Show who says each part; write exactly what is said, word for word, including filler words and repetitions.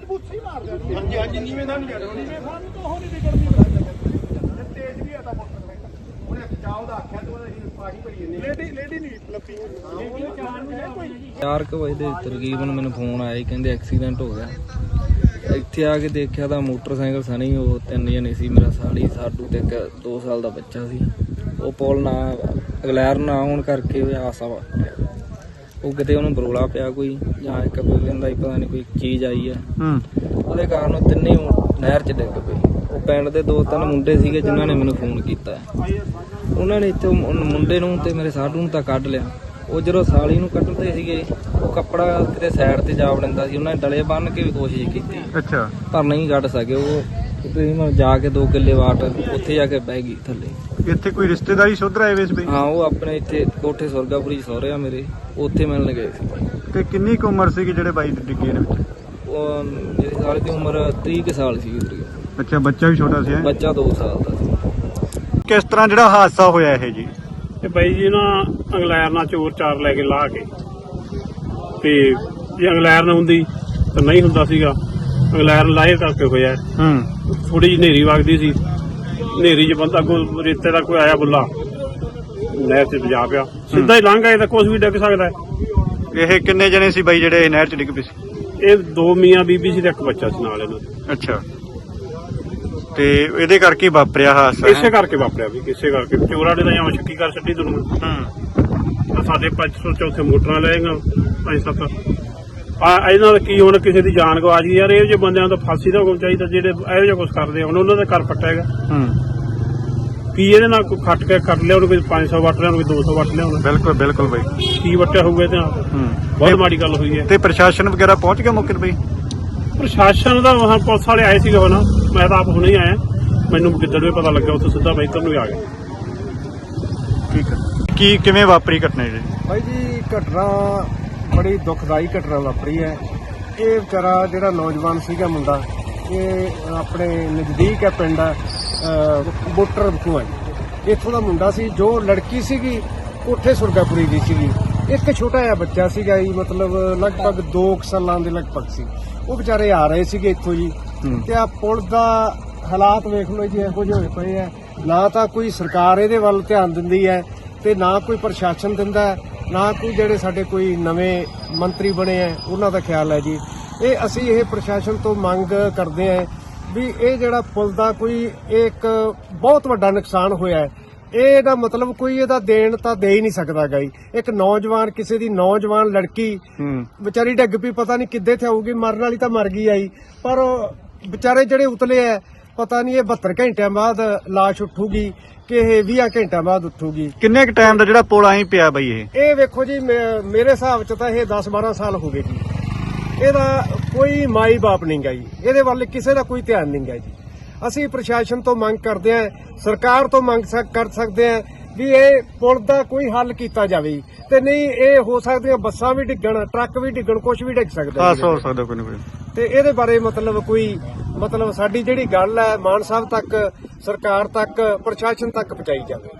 Speaker 1: ਬੂਥੀ ਮਾਰ ਦੇਣੀ।
Speaker 2: ਹਾਂਜੀ ਹਾਂਜੀ ਨੀਵੇਂ ਦਾ ਨਹੀਂ ਜਾ ਰਿਹਾ
Speaker 1: ਨੀਵੇਂ ਸਾਨੂੰ ਤਾਂ ਉਹ ਨਹੀਂ ਵਿਗੜਦੀ
Speaker 2: ਤੇਜ਼ ਵੀ ਆਦਾ ਮੋਟਰਸਾਈਕਲ ਉਹਨੇ ਚਾਹ ਦਾ ਆਖਿਆ ਤੇ ਅਸੀਂ ਪਾਣੀ ਭਰੀ ਜੰਨੇ
Speaker 1: ਲੇਡੀ ਲੇਡੀ ਨਹੀਂ ਲੱਭੀ
Speaker 3: ਚਾਰ ਕੁ ਵਜੇ ਦੇ ਤਕਰੀਬਨ ਮੈਨੂੰ ਫੋਨ ਆਇਆ ਜੀ, ਕਹਿੰਦੇ ਐਕਸੀਡੈਂਟ ਹੋ ਗਿਆ। ਇੱਥੇ ਆ ਕੇ ਦੇਖਿਆ ਤਾਂ ਮੋਟਰਸਾਈਕਲ ਸਣੀ ਉਹ ਤਿੰਨ ਜਣੇ ਸੀ, ਮੇਰਾ ਸਾਲੀ ਸਾਡੂ ਤੇ ਇੱਕ ਦੋ ਸਾਲ ਦਾ ਬੱਚਾ ਸੀ। ਉਹ ਪੁਲ ਨਾ ਅਗਲੈਰ ਨਾ ਹੋਣ ਕਰਕੇ ਉਹ ਹਾਦਸਾ ਵਾਪਰਿਆ। ਉਹ ਕਿਤੇ ਉਹਨੂੰ ਬਰੋਲਾ ਪਿਆ ਕੋਈ ਜਾਂ ਇੱਕ ਕੋਈ ਕਹਿੰਦਾ ਸੀ ਪਤਾ ਨਹੀਂ ਕੋਈ ਚੀਜ਼ ਆਈ ਆ, ਉਹਦੇ ਕਾਰਨ ਉਹ ਤਿੰਨੇ ਨਹਿਰ 'ਚ ਡਿੱਗ ਪਏ। ਉਹ ਪਿੰਡ ਦੇ ਦੋ ਤਿੰਨ ਮੁੰਡੇ ਸੀਗੇ ਜਿਨ੍ਹਾਂ ਨੇ ਮੈਨੂੰ ਫੋਨ ਕੀਤਾ। ਉਹਨਾਂ ਨੇ ਇੱਥੇ ਮੁੰਡੇ ਨੂੰ ਤੇ ਮੇਰੇ ਸਾਡੂ ਨੂੰ ਤਾਂ ਕੱਢ ਲਿਆ। ਉਹ ਜਦੋਂ ਸਾਲੀ ਨੂੰ ਕੱਢਦੇ ਸੀਗੇ ਉਹ ਕੱਪੜਾ ਕਿਤੇ ਸਾਈਡ ਤੇ ਜਾ ਵੜਦਾ ਸੀ। ਉਹਨਾਂ ਨੇ ਡਲੇ ਬੰਨ੍ਹ ਕੇ ਵੀ ਕੋਸ਼ਿਸ਼ ਕੀਤੀ,
Speaker 4: ਅੱਛਾ,
Speaker 3: ਪਰ ਨਹੀਂ ਕੱਢ ਸਕੇ। ਉਹ ਤਕਰੀਬਨ ਜਾ ਕੇ ਦੋ ਕਿੱਲੇ ਵਾਟ ਉੱਥੇ ਜਾ ਕੇ ਬਹਿ ਗਈ ਥੱਲੇ।
Speaker 4: ਇੱਥੇ ਕੋਈ ਰਿਸ਼ਤੇਦਾਰੀ ਸੁਧਰ ਆਏ ਵੇ ਬਈ?
Speaker 3: ਹਾਂ, ਉਹ ਆਪਣੇ ਇੱਥੇ ਕੋਠੇ ਸੁਰਗਾਪੁਰੀ ਸਹੁਰੇ ਆ ਮੇਰੇ, ਉੱਥੇ ਮਿਲਣ ਗਏ ਸੀ।
Speaker 4: ਤੇ ਕਿੰਨੀ ਕੁ ਉਮਰ ਸੀਗੀ ਜਿਹੜੇ ਬਾਈ ਦੇ ਡਿੱਗੇ ਨੇ ਵਿੱਚ?
Speaker 3: ਉਹ ਮੇਰੇ ਸਾਲ ਦੀ ਉਮਰ ਤੀਹ ਕੁ ਸਾਲ ਸੀ।
Speaker 4: ਅੱਛਾ, ਬੱਚਾ ਵੀ ਛੋਟਾ ਸੀ?
Speaker 3: ਬੱਚਾ ਦੋ ਸਾਲ ਦਾ ਸੀ।
Speaker 4: ਕਿਸ ਤਰ੍ਹਾਂ ਜਿਹੜਾ ਹਾਦਸਾ ਹੋਇਆ ਇਹ ਜੀ?
Speaker 1: ਤੇ ਬਾਈ ਜੀ ਨਾ ਅੰਗਲੈਰ ਨਾਲ ਚੋਰ ਚਾਰ ਲੈ ਕੇ ਲਾ ਕੇ, ਤੇ ਜੇ ਅੰਗਲੈਰ ਨਾ ਹੁੰਦੀ ਤਾਂ ਨਹੀਂ ਹੁੰਦਾ ਸੀਗਾ। ਅੰਗਲੈਰ ਲਾਏ ਕਰਕੇ ਹੋਇਆ।
Speaker 4: ਹੂੰ,
Speaker 1: ਥੋੜੀ ਜਿਹੀ ਹਨੇਰੀ ਵਗਦੀ ਸੀ, ਹਨੇਰੀ 'ਚ ਬੰਦਾ ਕੋਈ ਰੇਤੇ ਦਾ ਕੋਈ ਆਇਆ ਬੁੱਲਾ ਨਹਿਰ 'ਚ ਵਜਾ ਪਿਆ, ਸਿੱਧਾ ਹੀ ਲੰਘ ਆਏ ਤਾਂ ਕੁਛ ਵੀ ਡਿੱਗ ਸਕਦਾ ਹੈ।
Speaker 4: ਇਹ ਕਿੰਨੇ ਜਣੇ ਸੀ ਬਾਈ ਜਿਹੜੇ ਨਹਿਰ 'ਚ ਡਿੱਗ ਪਏ ਸੀ?
Speaker 1: ਇਹ ਦੋ ਮੀਆਂ ਬੀਬੀ ਸੀ ਤੇ ਇੱਕ ਬੱਚਾ ਸੀ ਨਾਲ ਇਹਨਾਂ ਦੇ।
Speaker 4: ਅੱਛਾ, ਤੇ ਇਹਦੇ ਕਰਕੇ ਵਾਪਰਿਆ ਹਾਦਸਾ?
Speaker 1: ਇਸੇ ਕਰਕੇ ਵਾਪਰਿਆ ਵੀ, ਕਿਸੇ ਕਰਕੇ ਚੋਰਾਂ ਨੇ ਤਾਂ ਜਾਂ ਸ਼ੱਕੀ ਕਰ ਛੱਡੀ ਦੁਨੀਆ।
Speaker 4: ਹੂੰ,
Speaker 1: ਸਾਡੇ ਪੰਜ ਸੌ ਚੌਥੇ ਮੋਟਰਾਂ ਲੈਗਾ ਪੰਜ ਸੱਤ ਆ। ਇਹਨਾਂ ਦਾ ਕੀ ਹੁਣ ਕਿਸੇ ਦੀ ਜਾਨ ਗਵਾਚ ਗਈ ਯਾਰ। ਇਹੋ ਜਿਹੇ ਬੰਦਿਆਂ ਤੋਂ ਫਾਂਸੀ ਦਾ ਹੁਕਮ ਚਾਹੀਦਾ ਜਿਹੜੇ ਇਹੋ ਜਿਹਾ ਕੁਛ ਕਰਦੇ ਆ। ਹੁਣ ਉਹਨਾਂ ਦਾ ਘਰ ਪੱਟਿਆ ਹੈਗਾ।
Speaker 4: ਹੂੰ,
Speaker 1: ਕੀ ਇਹਦੇ ਨਾਲ ਕੋਈ ਖੱਟ ਕੇ ਕੱਟ ਲਿਆ, ਉਹਨੂੰ ਕੋਈ ਪੰਜ ਸੌ ਵੱਟ ਲਿਆ, ਉਹਨੂੰ ਕੋਈ ਦੋ ਸੌ ਵੱਟ ਲਿਆ।
Speaker 4: ਬਿਲਕੁਲ ਬਿਲਕੁਲ ਬਾਈ,
Speaker 1: ਕੀ ਵੱਟਿਆ ਹੋਊਗਾ ਇਹਦੇ ਨਾਲ?
Speaker 4: ਹੂੰ,
Speaker 1: ਬਹੁਤ ਮਾੜੀ ਗੱਲ ਹੋਈ ਹੈ।
Speaker 4: ਤੇ ਪ੍ਰਸ਼ਾਸਨ ਵਗੈਰਾ ਪਹੁੰਚ ਗਿਆ ਮੌਕੇ ਤੇ ਬਾਈ?
Speaker 1: ਪ੍ਰਸ਼ਾਸਨ ਦਾ ਹਾਂ ਪੁਲਿਸ ਵਾਲੇ ਆਏ ਸੀਗੇ ਹੁਣ, ਮੈਂ ਤਾਂ ਆਪ ਹੁਣੇ ਹੀ ਆਇਆ। ਮੈਨੂੰ ਕਿੱਦਣ ਵੀ ਪਤਾ ਲੱਗਾ, ਉੱਥੇ ਸਿੱਧਾ ਬਾਈਕਰ ਨੂੰ ਹੀ ਆ ਗਿਆ।
Speaker 4: ਠੀਕ ਹੈ, ਕੀ ਕਿਵੇਂ ਵਾਪਰੀ ਘਟਨਾ ਜੀ?
Speaker 5: ਭਾਈ ਜੀ ਘਟਨਾ ਬੜੀ ਦੁਖਦਾਈ ਘਟਨਾ ਵਾਪਰੀ ਹੈ। ਇਹ ਵਿਚਾਰਾ ਜਿਹੜਾ ਨੌਜਵਾਨ ਸੀਗਾ ਮੁੰਡਾ, ਇਹ ਆਪਣੇ ਨਜ਼ਦੀਕ ਹੈ ਪਿੰਡ ਬੋਟਰ ਬਖੂਆ ਜੀ, ਇੱਥੋਂ ਦਾ ਮੁੰਡਾ ਸੀ। ਜੋ ਲੜਕੀ ਸੀਗੀ ਕੋਠੇ ਸੁਰਗਾਪੁਰੀ ਦੀ ਸੀਗੀ। ਇੱਕ ਛੋਟਾ ਜਿਹਾ ਬੱਚਾ ਸੀਗਾ ਜੀ, ਮਤਲਬ ਲਗਭਗ ਦੋ ਸਾਲਾਂ ਦੇ ਲਗਭਗ ਸੀ। ਉਹ ਵਿਚਾਰੇ ਆ ਰਹੇ ਸੀਗੇ ਇੱਥੋਂ ਜੀ, ਤੇ ਆ ਪੁਲ ਦਾ ਹਾਲਾਤ ਵੇਖ ਲਓ ਜੀ, ਇਹੋ ਜਿਹੇ ਹੋਏ ਪਏ ਆ। ਨਾ ਤਾਂ ਕੋਈ ਸਰਕਾਰ ਇਹਦੇ ਵੱਲ ਧਿਆਨ ਦਿੰਦੀ ਹੈ, ਤੇ ਨਾ ਕੋਈ ਪ੍ਰਸ਼ਾਸਨ ਦਿੰਦਾ, ਨਾ ਕੋਈ ਜਿਹੜੇ ਸਾਡੇ ਕੋਈ ਨਵੇਂ ਮੰਤਰੀ ਬਣੇ ਆ ਉਹਨਾਂ ਦਾ ਖਿਆਲ ਹੈ ਜੀ। ਇਹ ਅਸੀਂ ਇਹ ਪ੍ਰਸ਼ਾਸਨ ਤੋਂ ਮੰਗ ਕਰਦੇ ਹਾਂ ਵੀ ਇਹ ਜਿਹੜਾ ਪੁਲ ਦਾ ਕੋਈ ਇੱਕ ਬਹੁਤ ਵੱਡਾ ਨੁਕਸਾਨ ਹੋਇਆ ਹੈ, ਇਹਦਾ ਮਤਲਬ ਕੋਈ ਇਹਦਾ ਦੇਣ ਤਾਂ ਦੇ ਹੀ ਨਹੀਂ ਸਕਦਾ ਗਈ। ਇੱਕ ਨੌਜਵਾਨ, ਕਿਸੇ ਦੀ ਨੌਜਵਾਨ ਲੜਕੀ ਵਿਚਾਰੀ ਡਿੱਗ ਪਈ, ਪਤਾ ਨਹੀਂ ਕਿੱਦੇ ਤੇ ਆਊਗੀ, ਮਰਨ ਵਾਲੀ ਤਾਂ ਮਰ ਗਈ ਆਈ, ਪਰ ਵਿਚਾਰੇ ਜਿਹੜੇ ਉਤਲੇ ਆ ਪਤਾ ਨਹੀਂ ਇਹ ਬਹੱਤਰ ਘੰਟਿਆਂ ਬਾਅਦ ਲਾਸ਼ ਉੱਠੂਗੀ ਕਿ ਇਹ ਵੀਹ ਘੰਟਿਆਂ ਬਾਅਦ ਉੱਠੂਗੀ।
Speaker 4: ਕਿੰਨੇ ਕੁ ਟਾਈਮ ਦਾ ਜਿਹੜਾ ਪੁਲ ਆਈ ਪਿਆ ਬਾਈ? ਇਹ
Speaker 5: ਇਹ ਵੇਖੋ ਜੀ, ਮੇਰੇ ਹਿਸਾਬ ਚ ਤਾਂ ਇਹ ਦਸ ਬਾਰਾਂ ਸਾਲ ਹੋ ਗਏ ਜੀ। ਇਹਦਾ ਕੋਈ ਮਾਈ ਬਾਪ ਨਹੀਂ ਗਾ ਜੀ, ਇਹਦੇ ਵੱਲ ਕਿਸੇ ਦਾ ਕੋਈ ਧਿਆਨ ਨਹੀਂ ਗਾ ਜੀ। ਅਸੀਂ ਪ੍ਰਸ਼ਾਸਨ ਤੋਂ ਮੰਗ ਕਰਦੇ ਹਾਂ, ਸਰਕਾਰ ਤੋਂ ਮੰਗ ਕਰ ਸਕਦੇ ਹਾਂ ਵੀ ਇਹ ਪੁਲ ਦਾ ਕੋਈ ਹੱਲ ਕੀਤਾ ਜਾਵੇ। ਤੇ ਨਹੀਂ ਇਹ ਹੋ ਸਕਦੀਆਂ ਬੱਸਾਂ ਵੀ ਡਿੱਗਣ, ਟਰੱਕ ਵੀ ਡਿੱਗਣ, ਕੁਝ ਵੀ ਡਿੱਗ ਸਕਦਾ
Speaker 4: ਹਾਦਸਾ ਹੋ ਸਕਦਾ ਕੋਈ ਨਾ ਕੋਈ।
Speaker 5: ਤੇ ਇਹਦੇ ਬਾਰੇ ਮਤਲਬ ਕੋਈ ਮਤਲਬ ਸਾਡੀ ਜਿਹੜੀ ਗੱਲ ਹੈ ਮਾਨ ਸਾਹਿਬ ਤੱਕ, ਸਰਕਾਰ ਤੱਕ, ਪ੍ਰਸ਼ਾਸਨ ਤੱਕ ਪਹੁੰਚਾਈ ਜਾਵੇ।